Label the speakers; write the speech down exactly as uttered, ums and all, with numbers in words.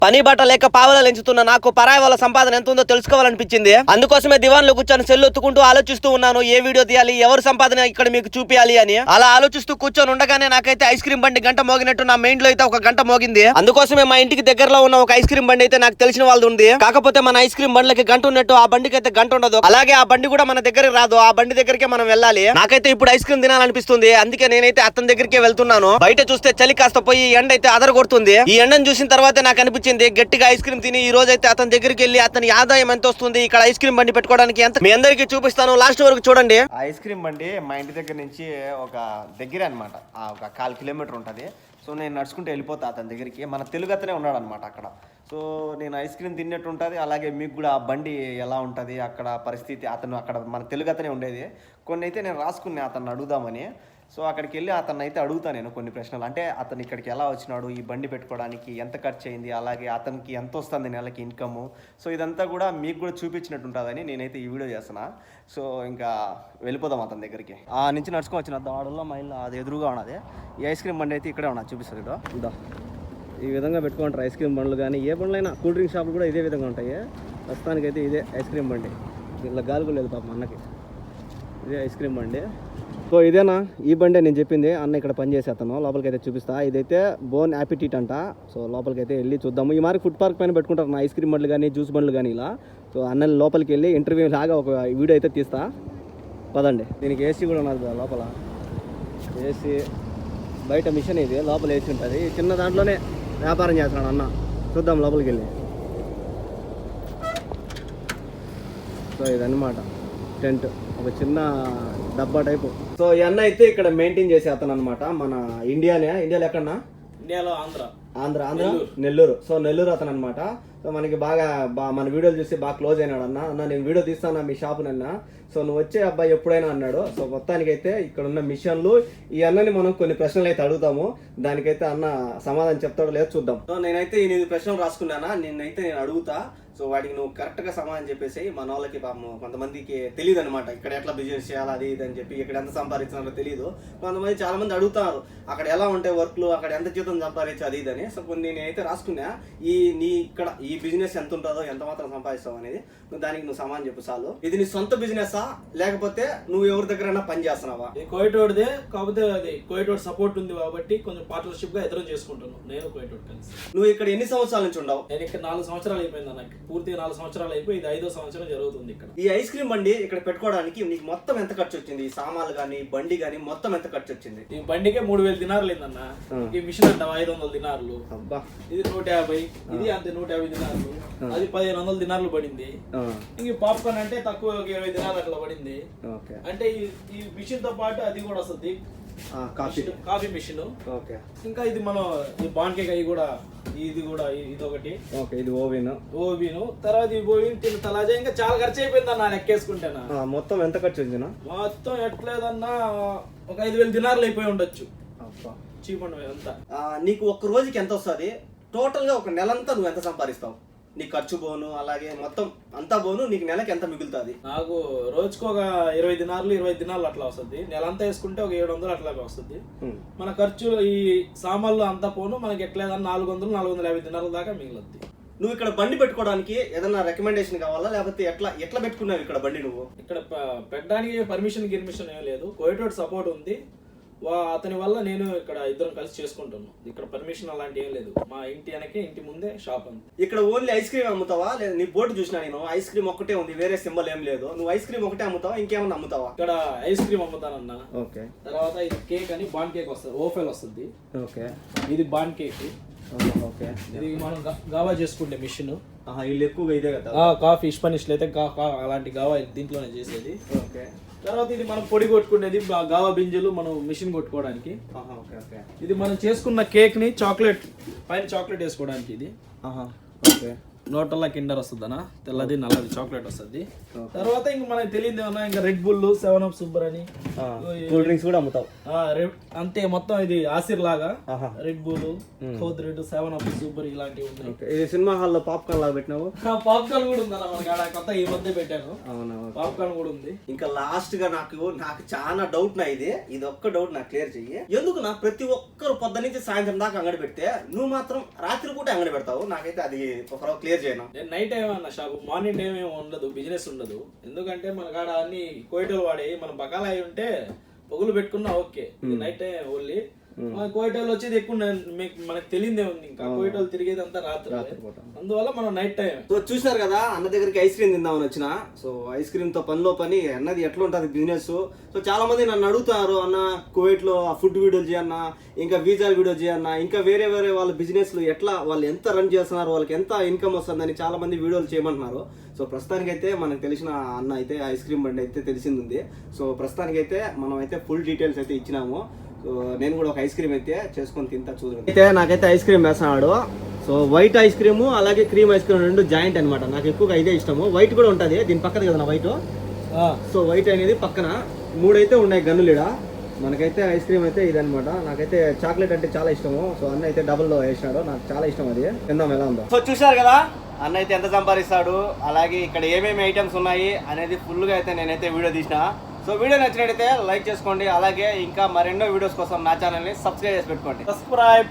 Speaker 1: పని బట్ట లేక పావలా ఎంచుతున్న నాకు పరాయి వాళ్ళ సంపాదన ఎంత ఉందో తెలుసుకోవాలనిపించింది. అందుకోసమే దివాన్ లో కూర్చొని సెల్ ఒత్తుకుంటూ ఆలోచిస్తూ ఉన్నాను, ఏ వీడియో తీయాలి, ఎవరు సంపాదన ఇక్కడ మీకు చూపించాలి అని. అలా ఆలోచిస్తూ కూర్చొని ఉండగానే నాకైతే ఐస్ క్రీమ్ బండి గంట మోగినట్టు నా మైండ్ లో అయితే ఒక గంట మోగింది. అందుకోసమే మా ఇంటికి దగ్గరలో ఉన్న ఒక ఐస్ క్రీమ్ బండి అయితే నాకు తెలిసిన వాళ్ళది ఉంది. కాకపోతే మన ఐస్ క్రీమ్ బండ్లకి గంట ఉన్నట్టు ఆ బండికి అయితే గంట ఉండదు. అలాగే ఆ బండి కూడా మన దగ్గరికి రాదు. ఆ బండి దగ్గరికి మనం వెళ్ళాలి. నాకైతే ఇప్పుడు ఐస్ క్రీమ్ తినాలనిపిస్తుంది. అందుకే నేనైతే అతని దగ్గరికి వెళ్తున్నాను. బయట చూస్తే చలి కాస్త పోయి ఎండ అయితే అదర కొడుతుంది. ఈ ఎండను చూసిన తర్వాత నాకు అనిపించింది గట్టిగా ఐస్ క్రీమ్ తిని ఈ రోజు అయితే అతని దగ్గరికి వెళ్ళి అతని ఆదాయం ఎంత వస్తుంది, ఇక్కడ ఐస్ క్రీమ్ బండి పెట్టుకోవడానికి ఎంత, మీ అందరికీ చూపిస్తాను. లాస్ట్ వరకు చూడండి. ఐస్ క్రీమ్ బండి మా ఇంటి దగ్గర నుంచి ఒక దగ్గర అనమాట, ఒక కాల్ కిలోమీటర్ ఉంటుంది. సో నేను నడుచుకుంటూ వెళ్ళిపోతా అతని దగ్గరికి. మన తెలుగు అతనే ఉన్నాడు అనమాట అక్కడ. సో నేను ఐస్ క్రీమ్ తిన్నట్టు ఉంటుంది. అలాగే మీకు కూడా ఆ బండి ఎలా ఉంటుంది అక్కడ పరిస్థితి, అతను అక్కడ మన తెలుగు అతనే ఉండేది. కొన్ని అయితే నేను రాసుకున్నా అతన్ని అడుగుదామని. సో అక్కడికి వెళ్ళి అతన్ని అయితే అడుగుతాను నేను కొన్ని ప్రశ్నలు. అంటే అతను ఇక్కడికి ఎలా వచ్చినాడు, ఈ బండి పెట్టుకోవడానికి ఎంత ఖర్చు అయింది, అలాగే అతనికి ఎంత వస్తుంది నెలకి ఇన్కమ్. సో ఇదంతా కూడా మీకు కూడా చూపించినట్టు ఉంటుందని నేనైతే ఈ వీడియో చేస్తున్నా. సో ఇంకా వెళ్ళిపోదాం అతని దగ్గరికి. ఆ నుంచి నడుచుకొని వచ్చిన దాడుల్లో మా ఇల్లు అది ఎదురుగా ఉన్నది. ఈ ఐస్ క్రీమ్ బండి అయితే ఇక్కడే ఉన్నా, చూపిస్తుంది ఇదో ఇదో ఈ విధంగా పెట్టుకుంటారు ఐస్ క్రీమ్ బండ్లు. కానీ ఏ బండ్లైనా కూల్ డ్రింక్ షాపులు కూడా ఇదే విధంగా ఉంటాయి. ప్రస్తుతానికి అయితే ఇదే ఐస్ క్రీమ్ బండి. ఇలా గాలి లేదు పాపం అన్నకి. ఇదే ఐస్ క్రీమ్ బండి. సో ఇదేనా ఈ బండే నేను చెప్పింది. అన్న ఇక్కడ పనిచేసే అతను. లోపలికి అయితే చూపిస్తా. ఇదైతే బోన్ యాపిటీట్ అంట. సో లోపలికి అయితే వెళ్ళి చూద్దాము. ఈ మరి ఫుడ్ పార్క్ పైన పెట్టుకుంటారు నా ఐస్ క్రీమ్ బండ్లు కానీ జ్యూస్ బండ్లు కానీ ఇలా. సో అన్న లోపలికి వెళ్ళి ఇంటర్వ్యూ లాగా ఒక వీడియో అయితే తీస్తా. పదండి. దీనికి ఏసీ కూడా ఉన్నది లోపల. ఏసీ బయట మిషన్ ఇది, లోపల ఏసీ ఉంటుంది. చిన్న దాంట్లోనే వ్యాపారం చేస్తున్నాడు అన్న. చూద్దాం లోపలికి వెళ్ళి. సో ఇదన్నమాట టెంట్, ఒక చిన్న డబ్బా టైపు. సో ఈ అన్న అయితే ఇక్కడ మెయింటైన్ చేసే అతను అనమాట. మన ఇండియానే, ఇండియాలో ఎక్కడన్నా,
Speaker 2: ఇండియాలో ఆంధ్ర
Speaker 1: ఆంధ్ర ఆంధ్ర నెల్లూరు. సో నెల్లూరు అతను అనమాట. సో మనకి బాగా బా మన వీడియోలు చూసి బాగా క్లోజ్ అయినాడు అన్న. అన్న నేను వీడియో తీస్తాను మీ షాపు నన్న, సో నువ్వు వచ్చే అబ్బాయి ఎప్పుడైనా అన్నాడు. సో మొత్తానికైతే ఇక్కడ ఉన్న మిషన్లు ఈ అన్నని మనం కొన్ని ప్రశ్నలు అయితే అడుగుతాము. దానికైతే అన్న సమాధానం చెప్తాడో లేదో చూద్దాం. సో నేనైతే ఎనిమిది ప్రశ్నలు రాసుకున్నానా, నిన్నైతే నేను అడుగుతా. సో వాటికి నువ్వు కరెక్ట్గా సమాధానం చెప్పేసి మన వాళ్ళకి పాపం కొంతమందికి తెలియదు అనమాట, ఇక్కడ ఎట్లా బిజినెస్ చేయాలి అది ఇది అని చెప్పి, ఇక్కడ ఎంత సంపాదించాలో తెలియదు. కొంతమంది చాలా మంది అడుగుతారు అక్కడ ఎలా ఉంటాయి వర్క్లు, అక్కడ ఎంత జీతం సంపాదించు అది ఇది అని. సో కొన్ని నేనైతే రాసుకున్నా, ఈ నీ ఇక్కడ ఈ బిజినెస్ ఎంత ఉంటుందో, ఎంత మాత్రం సంపాదిస్తావు అనేది నువ్వు దానికి నువ్వు సమాధానం చెప్పు చాలు. ఇది నీ సొంత బిజినెసా లేకపోతే నువ్వు ఎవరి దగ్గరైనా పని చేస్తున్నావా?
Speaker 2: కోయటోడ్దే, కాకపోతే అది కోయటోడ్ సపోర్ట్ ఉంది కాబట్టి కొంచెం పార్ట్నర్షిప్ గా ఎదురు చేసుకుంటున్నాను నేను కోయటోడ్ కలిసి.
Speaker 1: నువ్వు ఇక్కడ ఎన్ని సంవత్సరాల నుంచి ఉండవు?
Speaker 2: నేను ఇక్కడ నాలుగు సంవత్సరాలు అయిపోయింది నాకు, పూర్తిగా నాలుగు సంవత్సరాలు అయిపోయి ఇది ఐదో సంవత్సరం జరుగుతుంది ఇక్కడ.
Speaker 1: ఈ ఐస్ క్రీమ్ బండి ఇక్కడ పెట్టుకోవడానికి నీకు మొత్తం ఎంత ఖర్చు వచ్చింది? ఈ సామాన్లు కానీ బండి కానీ మొత్తం ఎంత ఖర్చు వచ్చింది?
Speaker 2: ఈ బండికే మూడు వేలు దినారులు అయిందన్న. ఈ మిషన్ అంటావా ఐదు వందల దినారులు, ఇది నూట యాభై, ఇది అంతే నూట యాభై దినారులు, అది పదిహేను వందల దినారులు పడింది. ఇంక పాప్కార్న్ అంటే తక్కువ ఇరవై దినాలు అట్లా పడింది. అంటే ఈ మిషన్ తో పాటు అది కూడా వస్తుంది, కాఫీ మిషన్. ఇంకా ఇది మనం ఈ బాన్ కేక్ అవి కూడా, ఇది కూడా ఇది ఒకటి, ఇది ఓవెన్ ఓవెన్ తర్వాత ఈ ఓవెన్ తిన్న తలాజా. ఇంకా చాలా ఖర్చు అయిపోయింది అన్న లెక్కేసుకుంటేనా. మొత్తం ఎంత ఖర్చు వచ్చింది? మొత్తం ఎట్లేదన్నా ఒక ఐదు వేలు దినారులు అయిపోయి ఉండొచ్చు. చీప్ అండి అంతా. నీకు ఒక్క రోజుకి ఎంత వస్తుంది టోటల్ గా? ఒక నెలంతా నువ్వు ఎంత సంపాదిస్తావు? నీ ఖర్చు పోను అలాగే మొత్తం అంతా పోను, నీకు నెలకి ఎంత మిగులుతుంది? నాకు రోజుకు ఒక ఇరవై దినాలు ఇరవై దినాలు అట్లా వస్తుంది. నెలంతా వేసుకుంటే ఒక ఏడు వందలు అట్లా వస్తుంది. మన ఖర్చు ఈ సామాన్లు అంతా పోను మనకి ఎట్లేదన్నా నాలుగు వందలు నాలుగు వందల యాభై దినాల దాకా మిగులుద్ది. నువ్వు ఇక్కడ బండి పెట్టుకోవడానికి ఏదైనా రికమెండేషన్ కావాలా లేకపోతే ఎట్లా ఎట్లా పెట్టుకున్నావు ఇక్కడ బండి? నువ్వు ఇక్కడ పెట్టడానికి పర్మిషన్ గిర్మిషన్ ఏం లేదు, కోయటోడ్ సపోర్ట్ ఉంది. అతని వల్ల నేను ఇక్కడ ఇద్దరం కలిసి చేసుకుంటున్నాను. ఇక్కడ పర్మిషన్ అలాంటి ఏం లేదు. మా ఇంటి వెనకే ఇంటి ముందే షాప్ ఉంది. ఇక్కడ ఓన్లీ ఐస్ క్రీమ్ అమ్ముతావా? లేదా నీ బోర్డు చూసినా నేను ఐస్ క్రీమ్ ఒక్కటే ఉంది, వేరే సింబల్ ఏం లేదు. నువ్వు ఐస్ క్రీమ్ ఒకటే అమ్ముతావా ఇంకేమన్నా అమ్ముతావా? ఇక్కడ ఐస్ క్రీమ్ అమ్ముతానన్నా. ఓకే. తర్వాత ఇది కేక్ అని బాన్ కేక్ వస్తుంది, ఓఫెల్ వస్తుంది. ఓకే. ఇది బాన్ కేక్. ఓకే. ఇది మనం గావా చేసుకుంటే మిషన్. వీళ్ళు ఎక్కువగా ఇదే కదా కాఫీ స్పానిష్లు అయితే అలాంటి గావా దీంట్లోనే చేసేది. ఓకే. తర్వాత ఇది మనం పొడి కొట్టుకునేది గావా బింజలు మనం మిషన్ కొట్టుకోవడానికి. ఇది మనం చేసుకున్న కేక్ ని చాక్లెట్ పైన చాక్లెట్ వేసుకోవడానికి ఇది. ఓకే. నోటల్లా కిండర్ వస్తుంది అన్న, తెల్లది నల్లది చాక్లెట్ వస్తుంది. తర్వాత ఇంక మనకి తెలియదు ఏమన్నా ఇంకా Red Bull, Seven Up super అని
Speaker 1: కూల్ డ్రింక్స్ కూడా అమ్ముతావు.
Speaker 2: అంతే మొత్తం ఇది ఆసిర్ లాగా రెడ్ బుల్, కోత్ రెడ్, సెవెన్ అప్ సూపర్ ఇలాంటివి ఉన్నాయి.
Speaker 1: ఇది సినిమా హాల్లో పాప్కార్న్ లాగా పెట్టినావు.
Speaker 2: పాప్కార్న్ కూడా ఉందన్న మనకి ఆడ కొత్త ఈ మధ్య పెట్టాను. పాప్కార్న్ కూడా ఉంది.
Speaker 1: ఇంకా లాస్ట్ గా నాకు నాకు చాలా డౌట్ నా ఇది ఇది ఒక్క డౌట్ నాకు క్లియర్ చెయ్యి. ఎందుకు నా ప్రతి ఒక్కరు పొద్దు నుంచి సాయంత్రం దాకా అంగడి పెడితే నువ్వు మాత్రం రాత్రి పూట అంగడి పెడతావు? నాకైతే అది ఒక క్లియర్ చేయను.
Speaker 2: నైట్ టైం అన్న షాప్, మార్నింగ్ టైం ఏమి ఉండదు, బిజినెస్ ఉండదు. ఎందుకంటే మన కాడ అన్ని కోయిటలు వాడి మన బకాలా అయి ఉంటే పొగులు పెట్టుకున్నా ఓకే. నైట్ టైం ఓన్లీ కోయిటలు వచ్చేది ఎక్కువ మనకు తెలియదే ఉంది. ఇంకా కోయిటలు తిరిగేది అంతా రాత్రి, అందువల్ల మనం నైట్ టైం.
Speaker 1: సో చూసినారు కదా, అన్న దగ్గరికి ఐస్ క్రీమ్ తిందామని వచ్చిన. సో ఐస్ క్రీమ్ తో పనిలో పని అన్నది ఎట్లా ఉంటుంది బిజినెస్. సో చాలా మంది నన్ను అడుగుతారు, అన్న కువైట్ లో ఫుడ్ వీడియోలు చేయన్న, ఇంకా వీజాల వీడియో చేయన్న, ఇంకా వేరే వేరే వాళ్ళ బిజినెస్ ఎట్లా వాళ్ళు ఎంత రన్ చేస్తున్నారు, వాళ్ళకి ఎంత ఇన్కమ్ వస్తుందని చాలా మంది వీడియోలు చేయమంటున్నారు. సో ప్రస్తుతానికైతే మనకు తెలిసిన అన్న అయితే ఐస్ క్రీమ్ బండి అయితే తెలిసింది. సో ప్రస్తుతానికైతే మనం అయితే ఫుల్ డీటెయిల్స్ అయితే ఇచ్చినాము. సో నేను కూడా ఒక ఐస్ క్రీమ్ అయితే చేసుకొని తింటా చూడండి. అయితే నాకైతే ఐస్ క్రీమ్ వేస్తున్నాడు. సో వైట్ ఐస్ క్రీము అలాగే క్రీమ్ ఐస్ క్రీమ్ రెండు జాయింట్ అనమాట. నాకు ఎక్కువగా ఇదే ఇష్టము. వైట్ కూడా ఉంటుంది దీని పక్కన కదా నా వైట్. సో వైట్ అనేది పక్కన మూడైతే ఉన్నాయి గన్నులీడ. మనకైతే ఐస్ క్రీమ్ అయితే ఇదనమాట. నాకైతే చాక్లెట్ అంటే చాలా ఇష్టము. సో అన్న అయితే డబుల్ వేసినాడు, నాకు చాలా ఇష్టం అది. తిందాం ఎలా ఉందో. సో చూసారు కదా అన్న అయితే ఎంత సంపాదిస్తాడు, అలాగే ఇక్కడ ఏమేమి ఐటమ్స్ ఉన్నాయి అనేది ఫుల్గా అయితే నేనైతే వీడియో తీసిన. సో వీడియో నచ్చినట్టయితే లైక్ చేసుకోండి, అలాగే ఇంకా మరెన్నో వీడియోస్ కోసం నా ఛానల్ని సబ్స్క్రైబ్ చేసి పెట్టుకోండి.
Speaker 2: సబ్స్క్రైబ్